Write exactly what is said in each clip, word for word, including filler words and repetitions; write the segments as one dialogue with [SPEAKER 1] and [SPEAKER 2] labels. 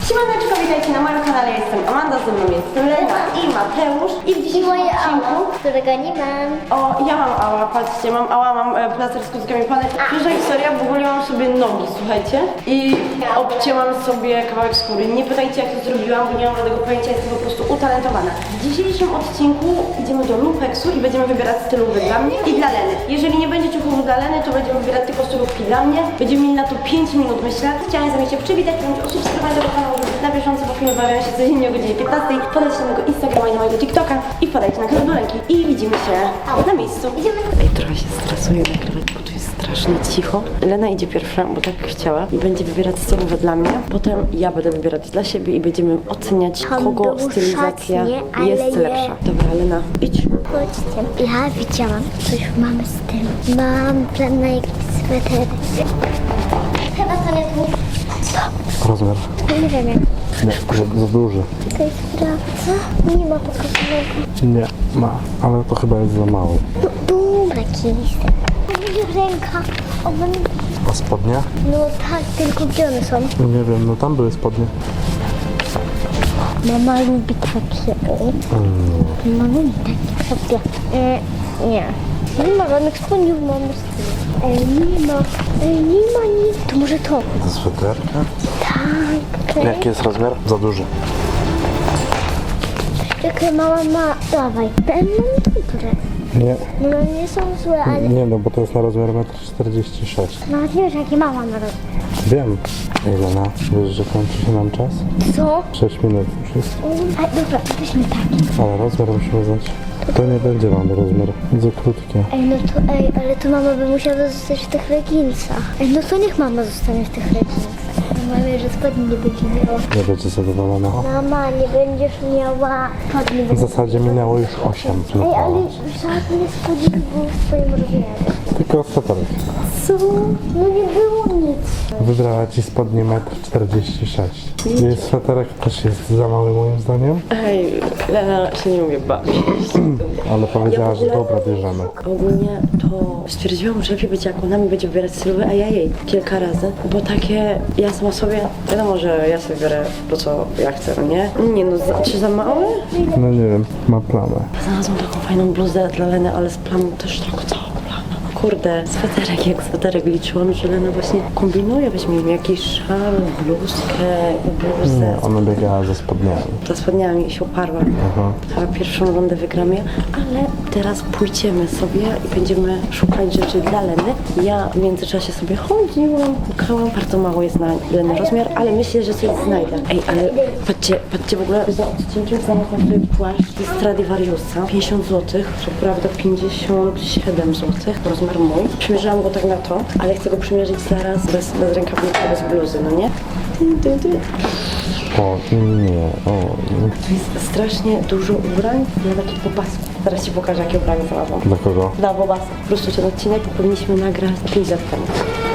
[SPEAKER 1] Siemaneczko, witajcie na moim kanale, jestem Amanda, ze mną jest Lena i Mateusz. I w dzisiejszym
[SPEAKER 2] moje
[SPEAKER 1] odcinku...
[SPEAKER 2] ała, którego nie mam.
[SPEAKER 1] O, ja mam ała, patrzcie, mam ała, mam e, plaster z kuckami plany. Pierwsza historia, w ogóle mam sobie nogi, słuchajcie. I obcięłam sobie kawałek skóry. Nie pytajcie, jak to zrobiłam, bo nie mam żadnego pojęcia, jestem po prostu utalentowana. W dzisiejszym odcinku idziemy do Lumpeksu i będziemy wybierać stylówki dla mnie i dla Leny. Jeżeli nie będzie ciuchów dla Leny, to będziemy wybierać tylko stylówki dla mnie. Będziemy mieli na to pięć minut, myślę. Chciałam z wami się przywitać, bądź o subskrybowaniu tego kanału, żeby być na bieżąco, bo filmy pojawiają się codziennie o godzinie piętnastej. Podajcie na mojego Instagrama i na mojego TikToka i podajcie na kanał do ręki. I widzimy się na miejscu. Idziemy. Ej, trochę się stresuję nagrywać, bo tu jest strasznie cicho. Lena idzie pierwsza, bo tak chciała i będzie wybierać stylówkę dla mnie. Potem ja będę wybierać dla siebie i będziemy oceniać, kogo stylizacja jest lepsza. Dobra, Lena, idź.
[SPEAKER 2] Chodźcie. Ja widziałam coś w mamy stylu. Mam plan na jakiś sweter. Chyba to nie tu.
[SPEAKER 3] Rozmiar?
[SPEAKER 2] Nie wiem jak.
[SPEAKER 3] Nie, za, za duży.
[SPEAKER 2] To jest sprawdza. Nie ma pokazanego.
[SPEAKER 3] Nie, ma, ale to chyba jest za mało.
[SPEAKER 2] No dobra, jakiś. Ręka. O, mam...
[SPEAKER 3] A spodnie?
[SPEAKER 2] No tak, tylko gdzie one są?
[SPEAKER 3] Nie wiem, no tam były spodnie.
[SPEAKER 2] Mama lubi takie.
[SPEAKER 3] Mm.
[SPEAKER 2] Mama lubi takie sobie. E, nie. Nie ma żadnych spodni w mamy stylu. Ej, nie ma. Ej, nie ma nic. To może to?
[SPEAKER 3] To sweterka?
[SPEAKER 2] Tak.
[SPEAKER 3] Jaki jest rozmiar? Za duży.
[SPEAKER 2] Czekaj, mama ma... Dawaj. Ten mam dobre.
[SPEAKER 3] Nie,
[SPEAKER 2] No nie są złe, ale...
[SPEAKER 3] nie no, bo to jest na rozmiar metr czterdzieści sześć.
[SPEAKER 2] Nawet nie wiesz, jakie mama ma robić.
[SPEAKER 3] Wiem. Ilena, wiesz, że kończy się nam czas?
[SPEAKER 2] Co?
[SPEAKER 3] sześć minut już jest.
[SPEAKER 2] A, dobra, weźmy taki.
[SPEAKER 3] Ale rozmiar musimy znać. To nie będzie mamy rozmiar. Za krótkie.
[SPEAKER 2] Ej, no to, ej, ale to mama by musiała zostać w tych leginsach. Ej, no to niech mama zostanie w tych leginsach. Mama wie, że spodni nie będzie miała.
[SPEAKER 3] Nie będzie zadowolona.
[SPEAKER 2] Mama, nie będziesz miała spodni.
[SPEAKER 3] W zasadzie minęło już osiem.
[SPEAKER 2] Ej, ale żadne spodni nie było w twoim rozmiarze.
[SPEAKER 3] Tylko sweterek.
[SPEAKER 2] Co? No nie było nic.
[SPEAKER 3] Wybrała ci spodnie metr czterdzieści sześć. Jej sweterek też jest za mały moim zdaniem,
[SPEAKER 1] Ej, Lena się nie umie bawić.
[SPEAKER 3] ale powiedziała, że dobra, bierzemy.
[SPEAKER 1] Ogólnie to stwierdziłam, że lepiej będzie jak ona mi będzie wybierać stylówkę, a ja jej kilka razy. Bo takie, ja sama sobie, wiadomo, że ja sobie biorę to, co ja chcę, no nie? Nie no, za, czy za małe?
[SPEAKER 3] No nie wiem, ma plamę.
[SPEAKER 1] Znalazłam taką fajną bluzę dla Leny, ale z plamą też taką całą plamę. No kurde, sweterek jak sweterek, liczyłam, że Lena właśnie kombinuje, weźmiemy jakiś szal, bluzkę, bluzę.
[SPEAKER 3] Nie, ona biegała ze spodniami.
[SPEAKER 1] Za spodniami i się uparła.
[SPEAKER 3] Aha.
[SPEAKER 1] Chyba pierwszą rundę wygram ja, ale teraz pójdziemy sobie i będziemy szukać rzeczy dla Leny. Ja w międzyczasie sobie chodziłam, szukałam. Bardzo mało jest na Leny rozmiar, ale myślę, że coś znajdę. Ej, ale patrzcie, patrzcie w ogóle za odcinkiem znalazłam sobie płaszcz z Stradivariusa. pięćdziesiąt złotych, co prawda pięćdziesiąt siedem złotych, rozmiar mój. Przymierzałam go tak na to, ale chcę go przymierzyć zaraz bez, bez rękawnika, bez bluzy, no nie? Ty, ty, ty.
[SPEAKER 3] O nie, o nie.
[SPEAKER 1] To jest strasznie dużo ubrań na takich bobasków. Zaraz ci pokażę, jakie ubranie znalazłam.
[SPEAKER 3] Dla kogo?
[SPEAKER 1] Dla bobasów. Po prostu ten odcinek powinniśmy nagrać pięć lat temu.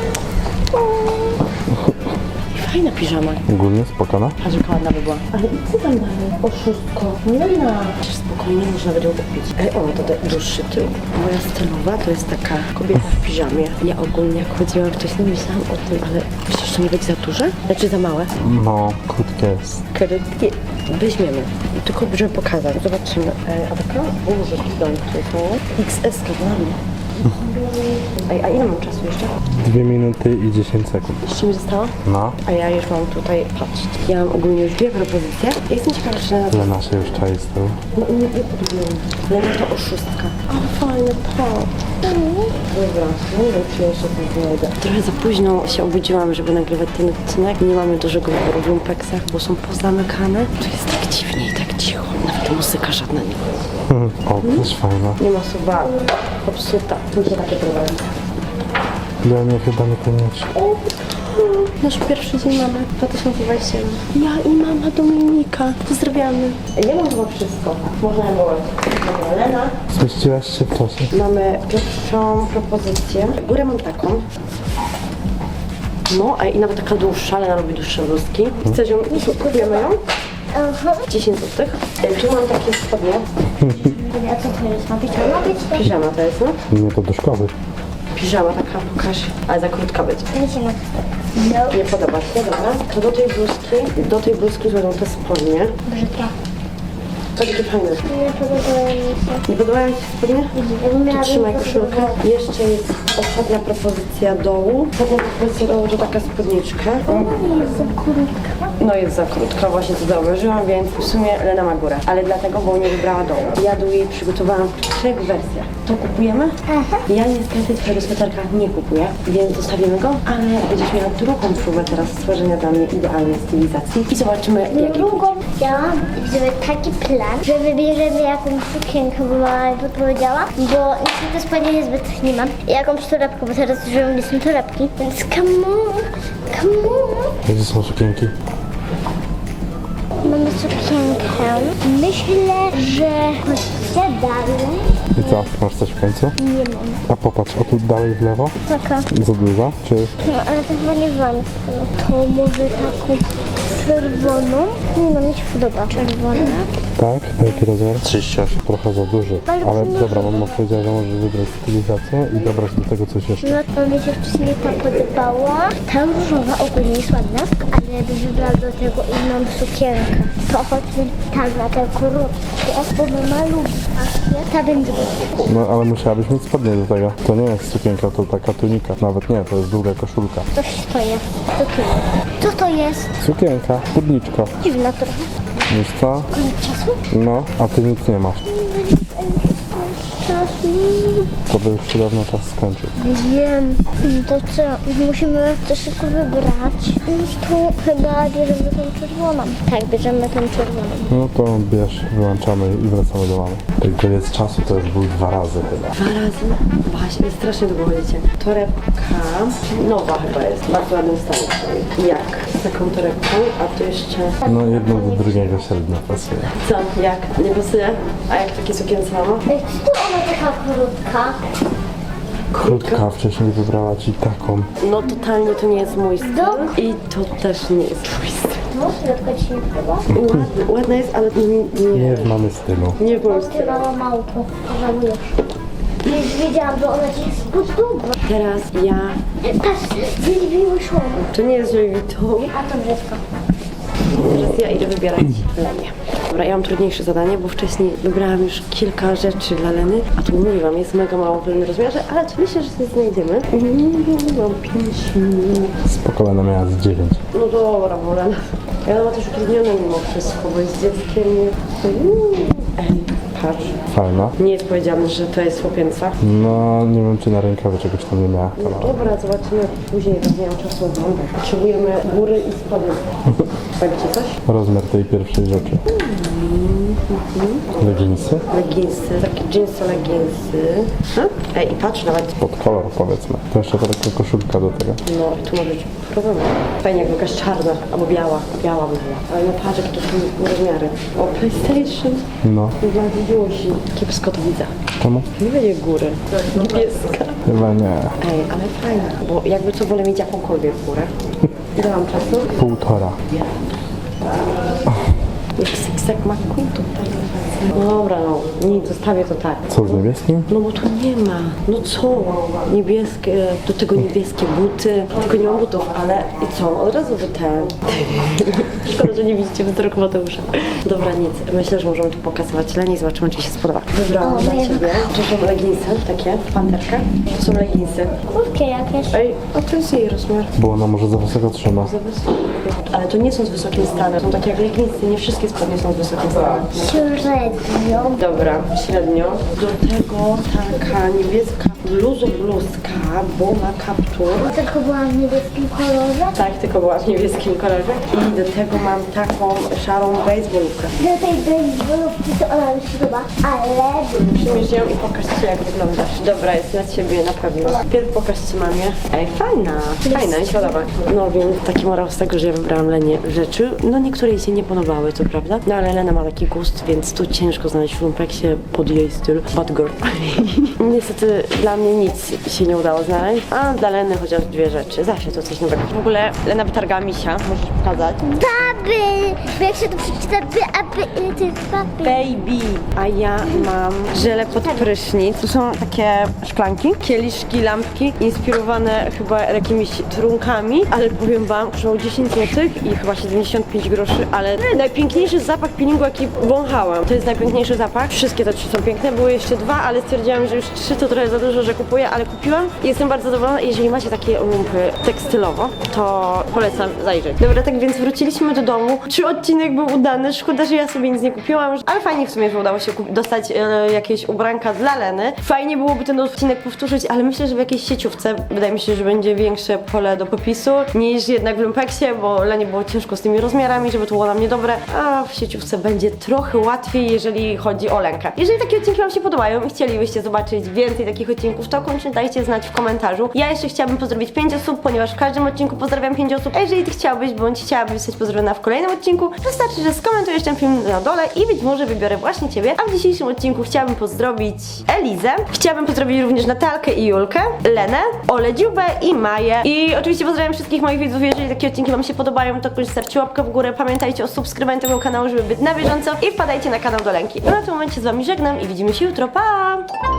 [SPEAKER 1] Fajna piżama.
[SPEAKER 3] Ogólnie spokojna?
[SPEAKER 1] Patrz, jaka ładna by była. Ale co tam dalej? Oszustko. Lena. Przecież spokojnie można będzie kupić. Ej, o, to te- dłuższy tył. Moja stylowa to jest taka kobieta w piżamie. Ja ogólnie jak chodziłam wcześniej, myślałam o tym, ale przecież to nie będzie za duże? Znaczy za małe?
[SPEAKER 3] No, krótkie jest.
[SPEAKER 1] Krótkie. Weźmiemy. Tylko żeby pokazać. Zobaczymy. Ej, a taka? O, że to jest mało. X S dla mnie. Ej, a ile mam czasu jeszcze?
[SPEAKER 3] Dwie minuty i dziesięć sekund.
[SPEAKER 1] Jeszcze mi zostało?
[SPEAKER 3] No,
[SPEAKER 1] A ja już mam tutaj, patrzcie, ja mam ogólnie już dwie propozycje. Ja jestem ciekawa, czy na to...
[SPEAKER 3] Lena się już czai z tyłu.
[SPEAKER 1] No nie, nie podobnie. Lena to oszustka. Ale fajne to. Dobra, nie wiem, czy jeszcze to znajdę. Trochę za późno się obudziłam, żeby nagrywać ten odcinek. Nie mamy dużego wyboru w lumpeksach, bo są pozamykane. Tu jest tak dziwnie i tak cicho. Nawet muzyka żadna nie ma.
[SPEAKER 3] O, też fajna.
[SPEAKER 1] Nie ma suba. Popsuta. Tu są takie problemy.
[SPEAKER 3] Lenie chyba nie koniecznie.
[SPEAKER 1] Nasz pierwszy dzień mamy, dwa tysiące dwudziesty jeden. Ja i mama Dominika. Pozdrawiamy. Ja mam chyba wszystko. Można było. Dobra, Lena.
[SPEAKER 3] Zmieściłaś się w czasie.
[SPEAKER 1] Mamy pierwszą propozycję. Górę mam taką. No, a i nawet taka dłuższa, Lena lubi dłuższe bluzki. Chcesz ją? Kupujemy ją?
[SPEAKER 2] Aha.
[SPEAKER 1] dziesięć złotych. Tu mam takie spodnie.
[SPEAKER 2] A co to jest? Ma być? Ma być?
[SPEAKER 1] Piżama to jest, no.
[SPEAKER 3] Nie, to do szkoły.
[SPEAKER 1] Piżama taka, pokaż. Ale za krótka być.
[SPEAKER 2] Nie się ma. No.
[SPEAKER 1] Nie podoba się, dobra. To do tej bluzki, do tej bluzki złożą te spodnie.
[SPEAKER 2] Brzydka.
[SPEAKER 1] To takie fajne.
[SPEAKER 2] Nie podobają mi się.
[SPEAKER 1] Nie podobają Ci się spodnie?
[SPEAKER 2] Jakbym miała
[SPEAKER 1] To trzymaj
[SPEAKER 2] większą
[SPEAKER 1] koszulkę. Jeszcze jest ostatnia propozycja dołu. Ostatnia propozycja dołu to taka spódniczka.
[SPEAKER 2] Nie jest za krótka.
[SPEAKER 1] No jest za krótka, właśnie to zauważyłam, więc w sumie Lena ma górę. Ale dlatego, bo nie wybrała dołu. Ja dół jej przygotowałam w trzech wersjach. To kupujemy?
[SPEAKER 2] Aha.
[SPEAKER 1] Ja niestety twojego sweterka nie kupuję, więc zostawimy go, ale będziesz miała drugą próbę teraz stworzenia dla mnie idealnej stylizacji i zobaczymy jaki
[SPEAKER 2] Drugą chciałam, żeby taki plan, że wybierzemy jakąś sukienkę, bo mama mi podpowiedziała, bo niestety spodnie niezbyt nie mam. I jakąś torebkę, bo teraz już wiem, gdzie są torebki. Więc come on, come on.
[SPEAKER 3] Gdzie są sukienki?
[SPEAKER 2] Mamy sukienkę. Myślę, że chodźcie dalej.
[SPEAKER 3] I co? Masz coś w końcu?
[SPEAKER 2] Nie mam.
[SPEAKER 3] A popatrz, o tu dalej w lewo.
[SPEAKER 2] Taka.
[SPEAKER 3] Za duża? Czy...
[SPEAKER 2] No, ale to chyba nie wam. To może taką czerwoną. Nie no, mi się podoba. Czerwona.
[SPEAKER 3] Tak? Jaki rozmiar? trzydzieści osiem. Trochę za duży.
[SPEAKER 2] Ale
[SPEAKER 3] Ale
[SPEAKER 2] to nie-
[SPEAKER 3] dobra, mama powiedziała, że możesz wybrać stylizację i dobrać do tego coś jeszcze.
[SPEAKER 2] No to mi się wcześniej ta podobała. Ta różowa ogólnie jest ładna, ale bym wybrała do tego inną sukienkę. To chodźmy tak na te krótkie, bo mama lubi takie. Ta będzie
[SPEAKER 3] No ale musiałabyś mieć spodnie do tego. To nie jest sukienka, to taka tunika. Nawet nie, to jest długa koszulka.
[SPEAKER 2] coś to jest. Co to jest? Co to jest?
[SPEAKER 3] Sukienka, spódniczka.
[SPEAKER 2] Dziwna trochę.
[SPEAKER 3] Wiesz co?
[SPEAKER 2] Koniec czasu?
[SPEAKER 3] No, a ty nic nie masz.
[SPEAKER 2] Czasu.
[SPEAKER 3] To by już się dawno czas skończył.
[SPEAKER 2] Wiem. To co? Musimy to szybko wybrać. No to chyba bierzemy tą czerwoną. Tak, bierzemy tą czerwoną.
[SPEAKER 3] No to bierz, wyłączamy i wracamy do mamy. Jak koniec czasu to już był dwa razy chyba.
[SPEAKER 1] Dwa razy? Właśnie, strasznie długo chodzicie. Torebka nowa chyba jest, w bardzo ładnym stanie. Jak? Z taką torebką, a tu jeszcze...
[SPEAKER 3] No jedno do drugiego średnio pasuje.
[SPEAKER 1] Co? Jak? Nie pasuje? A jak takie sukience mama?
[SPEAKER 2] Ej, co to ona taka krótka?
[SPEAKER 3] Krótka wcześniej wybrała ci taką.
[SPEAKER 1] No totalnie to nie jest mój styl
[SPEAKER 2] Dok.
[SPEAKER 1] i to też nie jest mój styl.
[SPEAKER 2] No, środka ci nie podoba?
[SPEAKER 1] Ładna, ładna jest, ale nie, nie,
[SPEAKER 3] Nie w mamy stylu.
[SPEAKER 1] nie w moim
[SPEAKER 2] Ty
[SPEAKER 1] stylu.
[SPEAKER 2] mała małpo, żałujesz. Już wiedziałam, że ona ci jest podoba.
[SPEAKER 1] Teraz ja...
[SPEAKER 2] Patrz, zjeździły szło.
[SPEAKER 1] To nie jest Louis Vuitton.
[SPEAKER 2] A to brzydko.
[SPEAKER 1] Teraz ja idę wybierać Lenię. Dobra, ja mam trudniejsze zadanie, bo wcześniej wybrałam już kilka rzeczy dla Leny, a tu mówiłam, jest mega mało w pewnym rozmiarze, ale to myślę, że się znajdziemy. Mam pięć minut.
[SPEAKER 3] Spoko, Lena miała z dziewięć.
[SPEAKER 1] No dobra, bo Lena... Ja ma też utrudnione mimo wszystko, bo jest dzieckiem. Ej, patrz.
[SPEAKER 3] Fajna.
[SPEAKER 1] Nie jest powiedziane, że to jest chłopięca.
[SPEAKER 3] No nie wiem czy na rękawie czegoś tam nie miała.
[SPEAKER 1] No dobra, zobaczymy później, bo nie mam czasu oglądać. Potrzebujemy góry i spodnie. Powiecie coś?
[SPEAKER 3] Rozmiar tej pierwszej rzeczy. Leginsy?
[SPEAKER 1] Leginsy, takie jeansy, leginsy. Hmm? Ej, i patrz nawet.
[SPEAKER 3] Pod kolor powiedzmy. To jeszcze taka koszulka do tego.
[SPEAKER 1] No i tu może być problem. Fajnie, jakby jakaś czarna albo biała. Biała by była. Ale no patrz, jakie to są rozmiary. O, PlayStation.
[SPEAKER 3] No.
[SPEAKER 1] Dla Wiusi. Kiepsko to widzę.
[SPEAKER 3] Czemu?
[SPEAKER 1] Nie będzie góry. Niebieska.
[SPEAKER 3] Chyba nie.
[SPEAKER 1] Ej, ale fajna. Bo jakby co, wolę mieć jakąkolwiek górę. Ile mam czasu?
[SPEAKER 3] Półtora.
[SPEAKER 1] Jak Sixpack McQueen tutaj. No dobra, no, nie, zostawię to tak.
[SPEAKER 3] Co z niebieskim?
[SPEAKER 1] No bo tu nie ma. No co? Niebieskie, do tego niebieskie buty. Tylko nie mam butów, ale i co? Od razu wy ten. Szkoda, że nie widzicie wzroku Mateusza. Dobra, nic. Myślę, że możemy tu pokazywać Leni i zobaczymy, czy się spodoba. Wybrałam dla ciebie. To są leginsy takie, w panterkę. To są leginsy.
[SPEAKER 2] Krótkie jakieś.
[SPEAKER 1] Ej, a to jest jej rozmiar.
[SPEAKER 3] Bo ona może za wysoko trzyma.
[SPEAKER 1] Za wysokie. Ale to nie są z wysokim stanem. Są takie jak leginsy. Nie wszystkie spodnie są z wysokim stanem.
[SPEAKER 2] Średnio.
[SPEAKER 1] Dobra, średnio. Do tego taka niebieska bluzo bluzka, bo ma kaptur.
[SPEAKER 2] Tylko była w niebieskim kolorze.
[SPEAKER 1] Tak, tylko była w niebieskim kolorze. I do tego mam taką szarą baseballówkę.
[SPEAKER 2] Do tej baseballówki to ona mi się podoba, ale...
[SPEAKER 1] Przymierz ją i pokażcie, jak wyglądasz. Dobra, jest na ciebie na pewno. Pierw pokażcie mamie. Ej, fajna. Fajna, mi się podoba. No więc taki morał z tego, że ja wybrałam Lenie rzeczy. No niektóre jej się nie podobały, to prawda. No ale Lena ma taki gust, więc tu ciężko znaleźć w lumpeksie pod jej styl. Bad girl. Niestety dla mnie nic się nie udało znaleźć, a dla Leny chociaż dwie rzeczy. Zawsze to coś nowego. W ogóle Lena wytargała misia, możesz pokazać.
[SPEAKER 2] Baby! Bo jak się to przeczyta, by, aby, ile to jest papier.
[SPEAKER 1] Baby, a ja mam żele pod prysznic. Tu są takie szklanki, kieliszki, lampki inspirowane chyba jakimiś trunkami, ale powiem wam, kosztowało dziesięć złotych i chyba siedemdziesiąt pięć groszy, ale najpiękniejszy zapach peelingu jaki wąchałam. To jest najpiękniejszy zapach. Wszystkie te trzy są piękne, były jeszcze dwa, ale stwierdziłam, że już trzy to trochę za dużo, że kupuję, ale kupiłam i jestem bardzo zadowolona. Jeżeli macie takie lumpy tekstylowo, to polecam zajrzeć. Dobra, tak więc wróciliśmy do domu. Czy odcinek był udany? Szkoda, że ja sobie nic nie kupiłam, ale fajnie w sumie, że udało się kup- dostać e, jakieś ubranka dla Leny. Fajnie byłoby ten odcinek powtórzyć, ale myślę, że w jakiejś sieciówce wydaje mi się, że będzie większe pole do popisu niż jednak w lumpeksie, bo Lenie było ciężko z tymi rozmiarami, żeby to było na mnie dobre, a w sieciówce będzie trochę łatwiej, jeżeli chodzi o Lenkę. Jeżeli takie odcinki wam się podobają i chcielibyście zobaczyć więcej takich odcinków, to koniecznie dajcie znać w komentarzu. Ja jeszcze chciałabym pozdrowić pięć osób, ponieważ w każdym odcinku pozdrawiam pięć osób. A jeżeli ty chciałbyś, bądź chciałabyś zostać pozdrowiona w kolejnym odcinku, wystarczy, że skomentujesz ten film na dole i być może wybiorę właśnie ciebie. A w dzisiejszym odcinku chciałabym pozdrowić Elizę, chciałabym pozdrowić również Natalkę i Julkę, Lenę, Olę Dziubę i Maję. I oczywiście pozdrawiam wszystkich moich widzów. Jeżeli takie odcinki wam się podobają, to koniecznie stawcie łapkę w górę. Pamiętajcie o subskrybowaniu tego kanału, żeby być na bieżąco i wpadajcie na kanał do Lenki. No na tym momencie z wami żegnam i widzimy się jutro. Pa!